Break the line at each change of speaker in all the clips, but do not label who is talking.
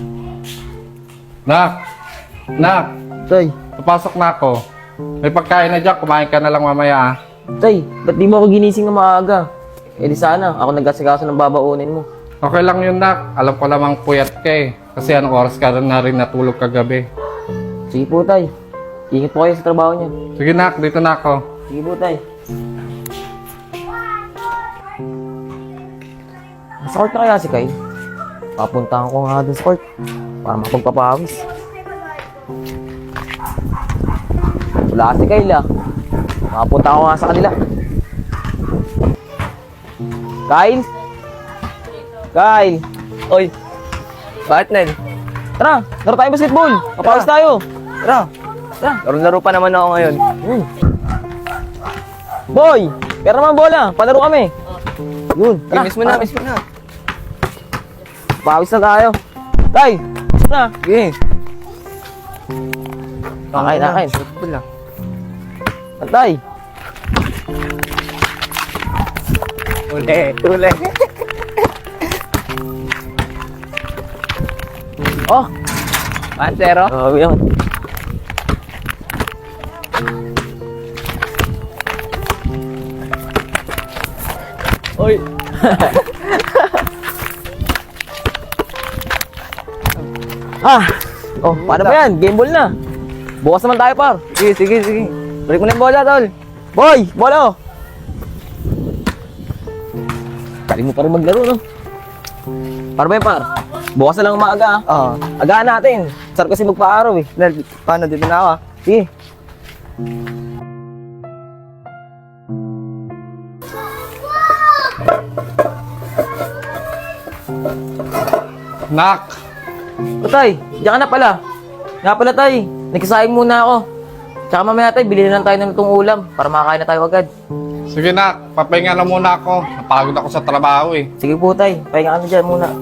Nak! Nak!
Tay,
Papasok na ako. May pagkain na dyan, kumain ka na lang mamaya ah.
Tay, ba't di mo ako ginising na maaga? Eh di sana, ako nag-asikaso ng babaunin mo.
Okay lang yun, Nak. Alam ko lamang puyat ka eh. Kasi anong oras ka na rin natulog kagabi.
Sige po, Tay. Ingat po kayo sa trabaho niyo.
Sige, Nak. Dito na ako.
Sige po, Tay. Nasa court na kaya si Kyle? Papuntahan ko nga dun sa court para makapagpapawis. Wala si Kyle ah. Makapunta ko nga sa kanila. Kyle? Kyle!
Oy, bakit Nel?
Tara! Laro tayo basketball! Papawis tayo!
Tara,
Tara!
laro-laro pa naman ako ngayon.
Boy! Pera naman bola! Palaro kami! Yun! Tara!
Miss mo na, miss mo na.
Pawis na tayo! Tay! Na!
Okay.
Nakain!
Football lang.
Tay!
Uli.
Oh!
1-0.
Oh, yun.
Oy.
Oh, paano ba yan? Game ball na. Bukas naman tayo, par.
Sige. Balik mo na yung bola, tol.
Boy! Bola oh! Galing mo pa rin maglaro, no? Par ba yan, par? Bukas na lang umaga, ah.
Oo.
Agaan natin. Sarap kasi magpa-araw, eh.
Nel, paano? Dito na ako, ah.
Sige.
Nak!
O, tay, diyan ka na pala. Nga pala, tay. Nagsasaing muna ako. Tsaka mamaya, tay, bilhin na lang tayo ng lutong ulam para makakain na tayo agad.
Sige, Nak. Papahinga na muna ako. Napagod ako sa trabaho eh.
Sige po, tay. Pahinga kami dyan muna.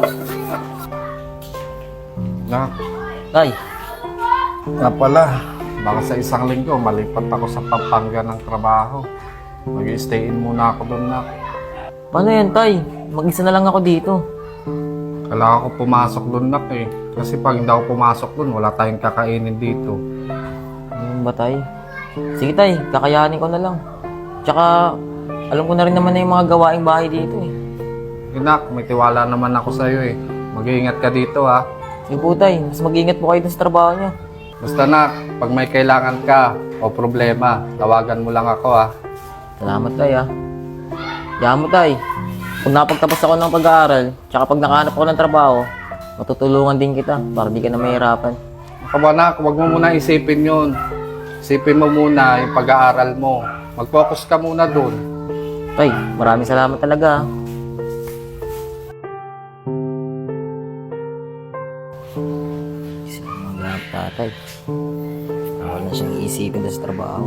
Nak,
Tay,
nga pala. Baka sa isang linggo, malipat ako sa Pampanga ng trabaho. Mag-i-stay in muna ako doon, Nak.
paano yan, tay? Mag-isa na lang ako dito.
Kailangan ko pumasok doon, Nak eh. Kasi pag hindi ako pumasok doon, wala tayong kakainin dito.
Ano ba, tay? Sige, tay. Kakayanin ko na lang. Tsaka, alam ko na rin naman na yung mga gawaing bahay dito, eh.
Nak, may tiwala naman ako sa'yo eh. Mag-iingat ka dito ha.
Sige po, tay. Mas mag-ingat po kayo dun sa trabaho niyo.
Basta Nak, pag may kailangan ka o problema, tawagan mo lang ako ha.
Salamat, tay, ah. Diyan mo, tay. Kung napagtapos ako ng pag-aaral, tsaka pag nakahanap ako ng trabaho, matutulungan din kita para di ka na mahirapan.
Kaba Nak, huwag mo muna isipin yun. Isipin mo muna yung pag-aaral mo. Mag-focus ka muna doon.
Tay, maraming salamat talaga, ah. Mag-aap tatay. Wala na siyang iisipin doon sa trabaho.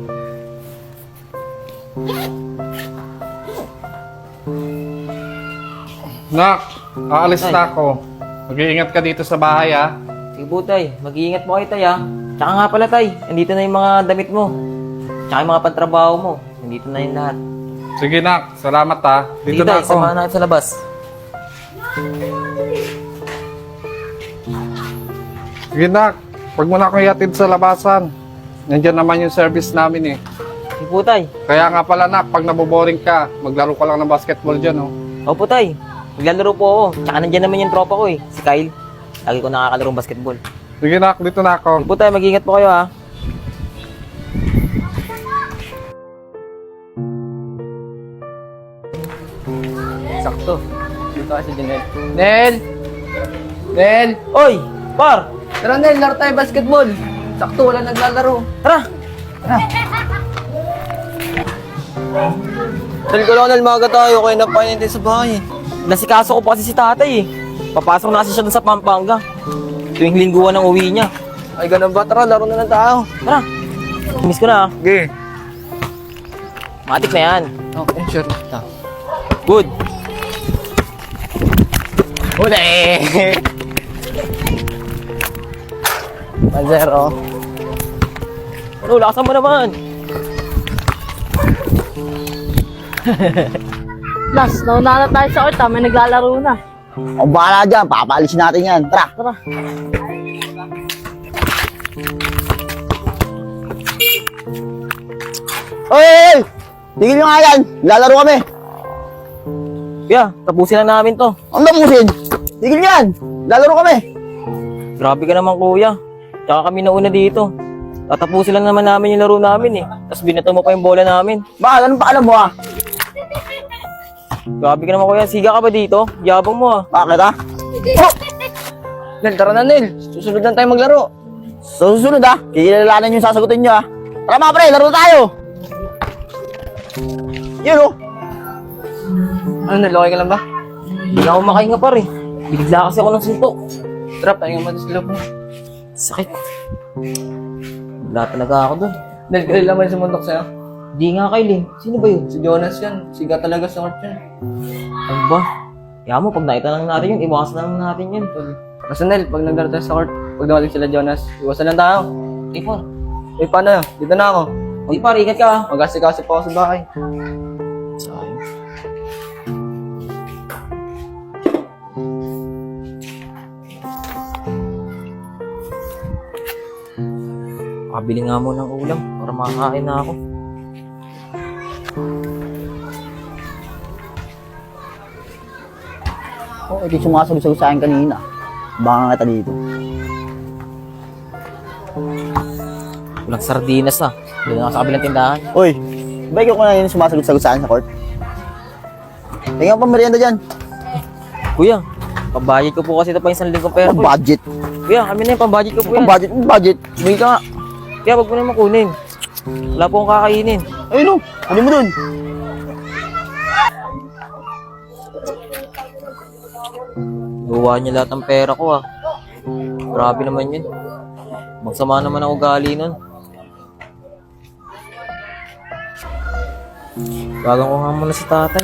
Nak, aalis na ako. Mag-iingat ka dito sa bahay ha.
Sige po, tay. Mag-iingat po kayo, tay, ah. Tsaka nga pala, tay. Nandito na yung mga damit mo. Tsaka yung mga pantrabaho mo. Nandito na yung lahat.
Sige Nak, salamat ha. Dito
Sige,
na
tay.
ako.
Samahan natin sa labas.
Sige Nak, huwag mo na akong iatid sa labasan. Nandiyan naman yung service namin eh.
Sige po, tay.
Kaya nga pala Nak, pag naboboring ka, maglaro ka lang ng basketball dyan oh.
Opo, tay. Maglalaro po ako. Tsaka nandyan naman yung tropa ko, eh. Si Kyle. Lagi ko nakakalarong basketball.
Sige Nak, dito na ako.
Sige po, tay. Mag-ingat po kayo, ha.
Sakto. Dito kasi si Nel. Nel! Nel!
Oy! Par!
Tara Nel, laro tayo basketball. Sakto, wala naglalaro.
Tara!
Nel, Nel, maga tayo. Kaya napainin tayo sa bahay.
Nasikaso ko pa kasi si tatay, eh. Papasok na kasi siya dun sa Pampanga. Tuwing lingguan ang uwi niya.
Ay, ganun ba? Tara, laro na lang tayo.
Tara! Miss ko na, ah.
Okay.
Matik na yan.
Okay, sure.
Good!
Uli! 1-0.
Ano, lakasan mo naman.
Last, nauna na tayo sa court, may naglalaro na. Ang bahala dyan, papaalisin natin yan. Tara, tara. Oy! Tigil nyo nga yan, lalaro kami.
Kuya, tapusin lang namin to.
Ang tapusin. Tigil nyo yan, lalaro kami.
Grabe ka naman kuya. Tsaka kami nauna dito. Tatapusin lang naman namin yung laro namin eh. Tapos binato mo pa yung bola namin.
Bakit, anong paalam mo ah?
Grabe ka naman kuya. Siga ka ba dito? Yabang mo ah.
Bakit ah? Oh!
Nel, tara na, Nel. Susunod lang tayo maglaro.
Sa susunod ah, kikilalanan yung sasagutin nyo ah. Tara mga pre, laro tayo. Yun oh.
Ano, Nel, okay ka lang ba?
Hindi na ako makahinga pa rin. Binigla kasi ako ng suntok.
Tara, pahinga mo sa loob mo.
Sakit. Wala talaga ako dun.
Nel, kailan naman sumuntok sa'yo?
Di nga Kyle eh. Sino ba yun?
Si Jonas yan. Siga talaga sa court yan.
Ano ba? Kaya mo, pag nakita lang natin yun, iwasan na lang natin yun.
Basta Nel, pag naglaro tayo sa court, pag dumating sila Jonas, iwasan lang tayo.
Eh, par.
Eh, paano yun? Dito na ako.
Di par, ingat ka ah.
Mag-asikaso pa ako sa bahay.
Sayang. Kabili nga mo ng ulam para makakain na ako.
Oh, ito yung sumasagot sa akin kanina. Baka nga dito.
Walang sardinas ah. Doon ako sa kabilang tindahan.
Uy, ba ikaw ko na yun sumasagot sa akin sa court? Tingnan pa merienda dyan.
Kuya, pambayad ko po kasi ito pa yung 1 linggong pera ko.
Budget.
Kuya, kami na yung pambayad ko po yan.
Budget. Bigay ka nga.
Kaya wag mo na makunin. Wala po akong kakainin.
Ayun o, kunin mo dun.
Gawa niya lahat ng pera ko ah. Grabe naman yun. Magsama naman ang ugali nun. Bagang ko nga muna si tatay.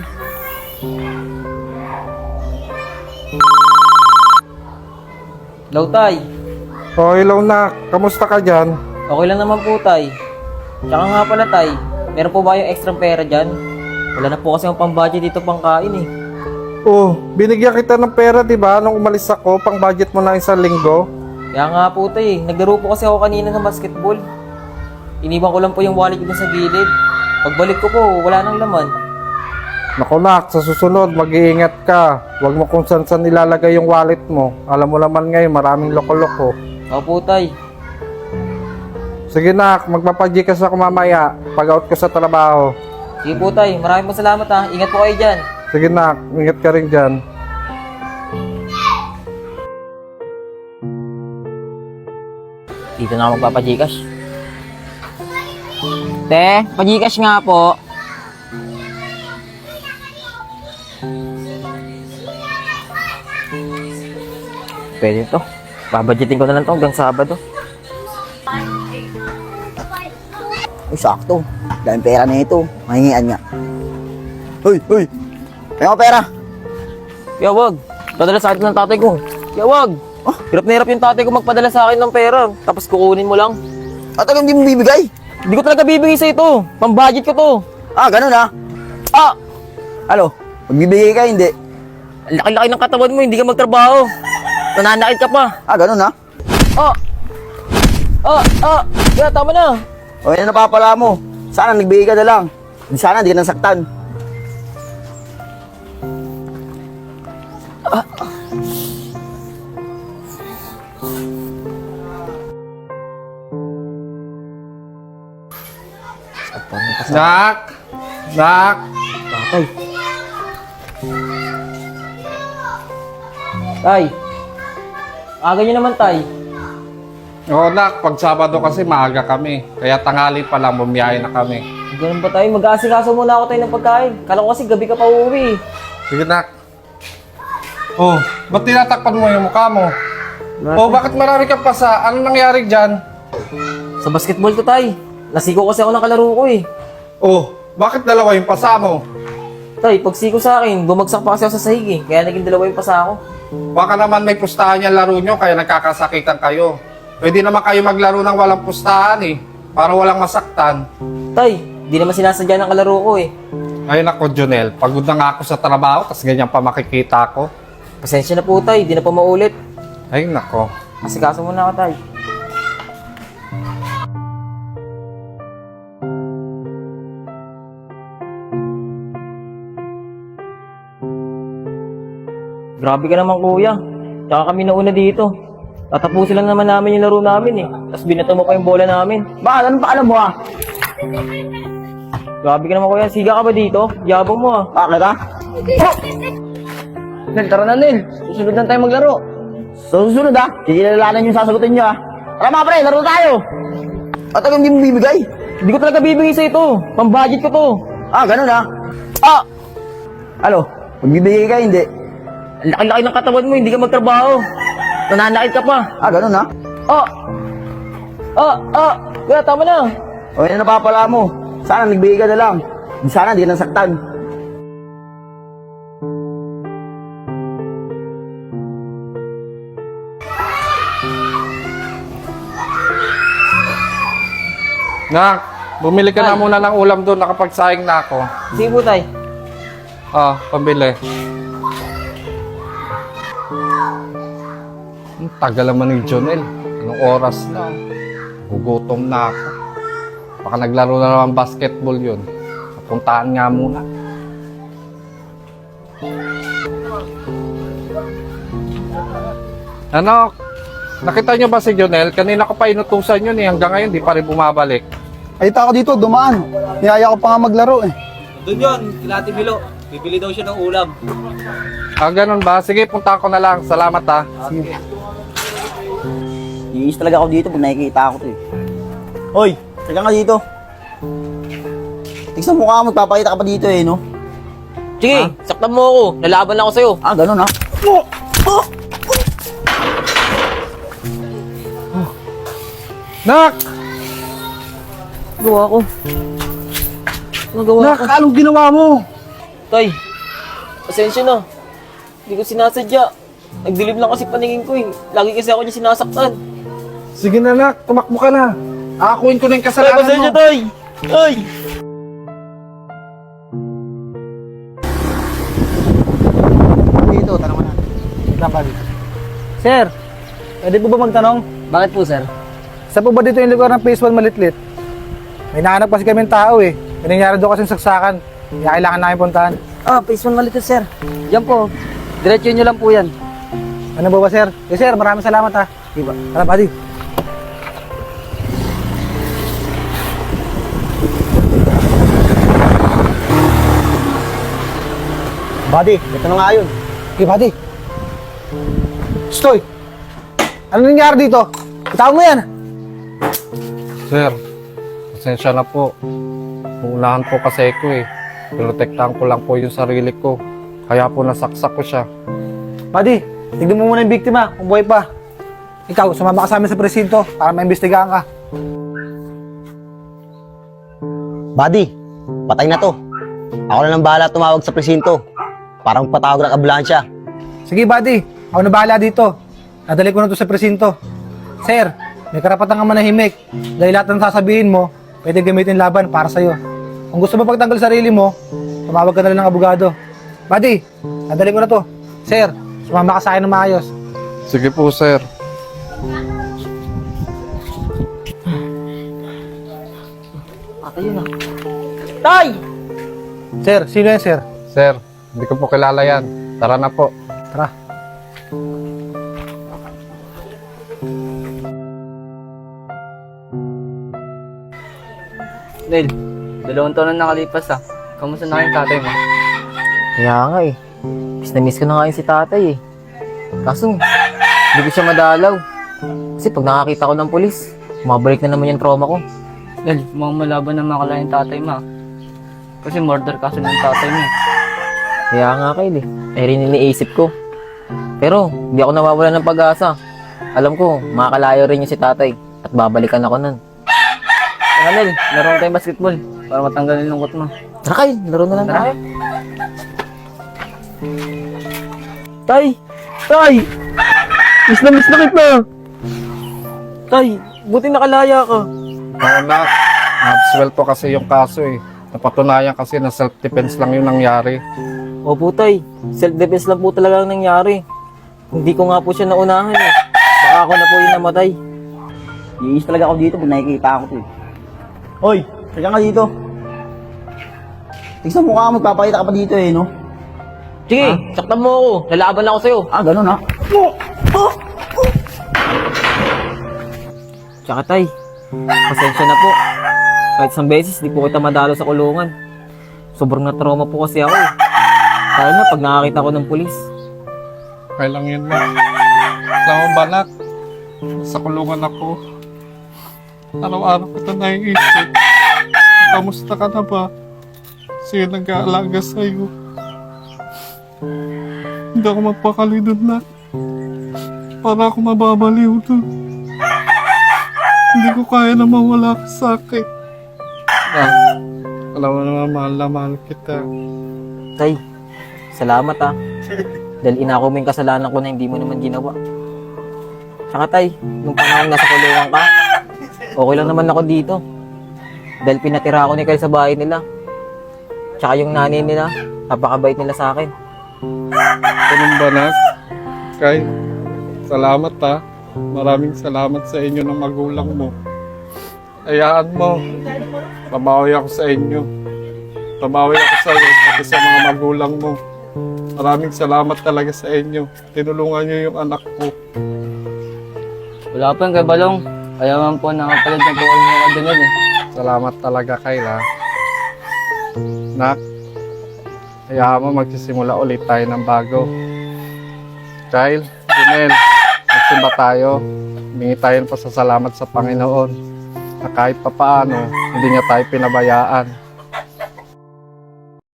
Hello, tay.
Oh, hello na. Kamusta ka dyan?
Okay lang naman po, tay. Tsaka nga pala, tay. Meron po ba yung extra pera dyan? Wala na po kasi yung pang-budget dito pang-kain eh.
Oh, binigyan kita ng pera, di ba? Nung umalis ako, pang budget mo na 1 linggo.
Kaya nga po, tay. Naglaro po kasi ako kanina ng basketball. Iniwan ko lang po yung wallet ko dun sa gilid. Pagbalik ko po, wala nang laman.
Naku nak, sa susunod, mag-iingat ka. Huwag mo kung saan ilalagay yung wallet mo. Alam mo naman ngayon, maraming loko-loko.
Opo, tay.
Sige nak, magpapajikas ako mamaya pag out ko sa trabaho.
Sige po, tay. Maraming salamat ha. Ingat po kayo dyan.
Sige nak, ingat ka rin dyan.
Dito na ako magpapajikas. Te, pajikas nga po. Pwede to. Babadgetin ko na lang to hanggang Sabado.
Uy, sakto. Dahil pera na ito. Mahingian nga. Uy! Kaya mo pera.
Kaya wag. Padala sa akin ng tatay ko. Kaya wag. Hirap na hirap yung tatay ko magpadala sa akin ng pera. Tapos kukunin mo lang.
At alam hindi mo bibigay?
Hindi ko talaga bibigay sa ito. Pambudget ko to.
Ah, ganun ah. Ah! Ano? Magbibigay ka, hindi?
Ang laki-laki ng katawan mo. Hindi ka magtrabaho. Nananakit ka pa.
Ah, ganun ah.
Kaya tama na.
O yan ang napapala mo. Sana nagbigay ka na lang. Sana hindi ka nasaktan.
Nak! Nak!
Tatay. Tay. Aga nyo naman, tay.
Oo nak, pag Sabado kasi maaga kami. Kaya tanghali pa lang, bumiyahe na kami.
Ganun ba tayo? Mag-aasikaso muna ako tayo ng pagkain. Kala ko kasi gabi ka pa uuwi.
Sige nak. Oh, ba't tinatakpan mo yung mukha mo? Oh, bakit marami kang pasa? Ano nangyari dyan?
Sa basketball to, tay. Nasiko kasi ako ng kalaro ko eh.
Oh, bakit dalawa yung pasa mo?
Tay, pag siko sa akin, bumagsak pa kasi ako sa sahig eh. Kaya naging dalawa yung pasa ako.
Baka naman may pustahan yung laro nyo, kaya nagkakasakitan kayo. Pwede naman kayo maglaro ng walang pustahan eh, para walang masaktan.
Tay, di naman sinasadya ng kalaro ko eh.
Ayun ako, Jonel, pagod na nga ako sa trabaho, tas ganyan pa makikita ko.
Pasensya na po tay, di na po maulit.
Ay, nako.
Asikaso muna ako tay. Grabe ka naman kuya. Tsaka kami nauna dito. Tatapusin lang naman namin yung laro namin eh. Tapos binato mo pa yung bola namin.
Bakit? Anong paalam mo ah?
Grabe ka naman kuya. Siga ka ba dito? Yabang mo ah.
Bakit ah?
Nel, tara na Nel. Susunod na tayo maglaro.
Sa susunod ah, kikilalanan yung sasagutin nyo ah. Tara mga pre, laro tayo! At ang hindi mo bibigay?
Hindi ko talaga bibigay sa ito. Pambudget ko to.
Ah, ganun ah. Ah! Ano? Magbibigay ka, hindi?
Ang laki-laki ng katawan mo, hindi ka magtrabaho. Nananakit ka pa.
Ah, ganun ah.
Kuya, tama na.
O yan ang napapala mo. Sana nagbigay ka na lang. Sana di ka nasaktan.
Nak, bumili ka na muna ng ulam doon. Nakapagsaing na ako.
Sige po tay.
Pambili. Ang tagal naman ni Jonel. Anong oras na? Gugutom na ako. Baka naglaro na naman basketball yun. Puntaan nga muna. Ano? Nakita nyo ba si Jonel? Kanina ko pa inutusan yun eh. Hanggang ngayon di pa rin bumabalik.
Ay, ako dito, dumaan. Niyaya ko pa nga maglaro eh.
Doon yun, kila Ate Milo. Bibili daw siya ng ulam.
Ganun ba? Sige, punta ko na lang. Salamat ha.
Iis talaga ako dito pag nakikita ako to eh. Hoy, teka nga dito. Tignan mo ka, magpapakita ka pa dito eh, no?
Sige, saktan mo ako. Lalaban ako sa'yo.
Ah, ganun ah.
Nak!
Gawa ko. Nagawa
Nak,
ko.
anong ginawa mo?
Tay, pasensya na. Hindi ko sinasadya. Nagdilim lang kasi paningin ko eh. Lagi kasi ako niya sinasaktan.
Sige na nak, tumakbo ka na. Akuin ko na yung
Tay,
kasalanan
pasensya
mo.
tay. Tay!
Dito, tanong mo natin.
Dapat. Sir, pwede po ba magtanong?
Bakit po, sir?
Saan po ba dito yung lugar ng Phase 1 Malitlit? May nahanap kasi kami ng tao eh. May nangyari doon kasing saksakan. Kaya kailangan namin puntahan.
Ah, Phase 1 Malitlit, sir. Yan po. Diretso nyo lang po yan.
Ano ba sir? Eh sir, maraming salamat ha. Diba? Tara, buddy.
Buddy, ito na nga yun.
Okay, buddy. Stoy! Ano nangyari dito? Itawag mo yan.
Sir, pasensya na po. Uunahan po kasi ko eh. Pinotektahan ko lang po yung sarili ko. Kaya po nasaksak ko siya.
Buddy, tignan mo muna yung biktima kung buhay pa. Ikaw, sumama ka sa amin sa presinto para maimbestigahan ka.
Buddy, patay na to. Ako na lang bahala tumawag sa presinto. Parang patawag ng ambulansya.
Sige, buddy. Ako na bahala dito. Nadali ko na to sa presinto. Sir, may karapatan ka manahimik. Dahil lahat ng sasabihin mo, pwede gamitin laban para sa'yo. Kung gusto mo pagtanggal sarili mo, tumawag ka na lang ng abogado. Buddy, nadali ko na to. Sir, sumama ka sa akin ng maayos.
Sige po, sir.
Ayun na. Tay!
Sir, sino yan, sir?
Sir, hindi ko po kilala yan. Tara na po.
Tara.
Nel, 2 taon na nakalipas ah. Kamusta na kayong tatay mo?
Kaya nga eh. Miss na miss ko na nga yun si tatay eh. Kaso, hindi ko siya madalaw. Kasi pag nakakita ko ng pulis, mabalik na naman yung trauma ko.
Nel, mukhang malaban na makala yung tatay mo ah. Kasi murder kaso ng tatay mo.
Kaya nga Kyle eh. Ay rin iniisip ko. Pero, hindi ako nawawala ng pag-asa. Alam ko, makakalayo rin yung si tatay. At babalikan ako nun.
Tara Nel, laro tayong basketball para matanggal yung lungkot mo.
Tara Kyle, laro na lang
Tara.
tayo. Tay! Tay! Miss na kita! Tay, buti nakalaya ka.
Oo na. Napswell po kasi yung kaso eh. Napatunayan kasi na self-defense lang yung nangyari.
Opo tay, self-defense lang po talaga ang nangyari. Hindi ko nga po siya naunahan eh. Baka ako na po yung namatay.
Iis talaga ako dito pag nakikita ako to eh. Hoy, teka nga dito. Tignan mo ka, magpapakita ka pa dito eh, no?
Sige, saktan mo ako. Lalaban ako sa'yo.
Ah, ganun ha?
Tsaka tay, pasensya na po. Kahit isang beses, di po kita madalo sa kulungan. Sobrang na-trauma po kasi ako eh. Lalo na pag nakakita ko ng pulis.
Okay lang yun, Nak. Alam mo ba, Nak? Sa kulungan ako. Araw-araw kita naiisip. Kamusta ka na ba? Sino nag-aalaga sa'yo? Hindi ako magpakali doon, Nak. Para ako mababaliw doon. Hindi ko kaya na mawala ka sa akin. Nak, alam mo naman, mahal na mahal kita.
Tay, salamat ah. Dahil inako mo yung kasalanan ko na hindi mo naman ginawa. Tsaka tay, nung panahon nasa kulungan ka, okay lang naman ako dito. Dahil pinatira ako ni Kyle sa bahay nila. Tsaka yung nanay nila, napakabait nila sa akin.
Ganun ba, Nak? Kay, salamat ha. Maraming salamat sa inyo ng magulang mo. Hayaan mo. Babawi ako sa inyo. Babawi ako sa iyo, pati sa mga magulang mo. Maraming salamat talaga sa inyo. Tinulungan niyo yung anak ko.
Wala pa yung kay Balong. Kaya man po nakapalad ng tuwal mo ka din eh.
Salamat talaga, Kayla. Nak, hayaan mo magsisimula ulit tayo ng bago. Kyle, Junel, magsimba tayo. Humingi tayo ng pasasalamat sa Panginoon na kahit papaano, hindi niya tayo pinabayaan.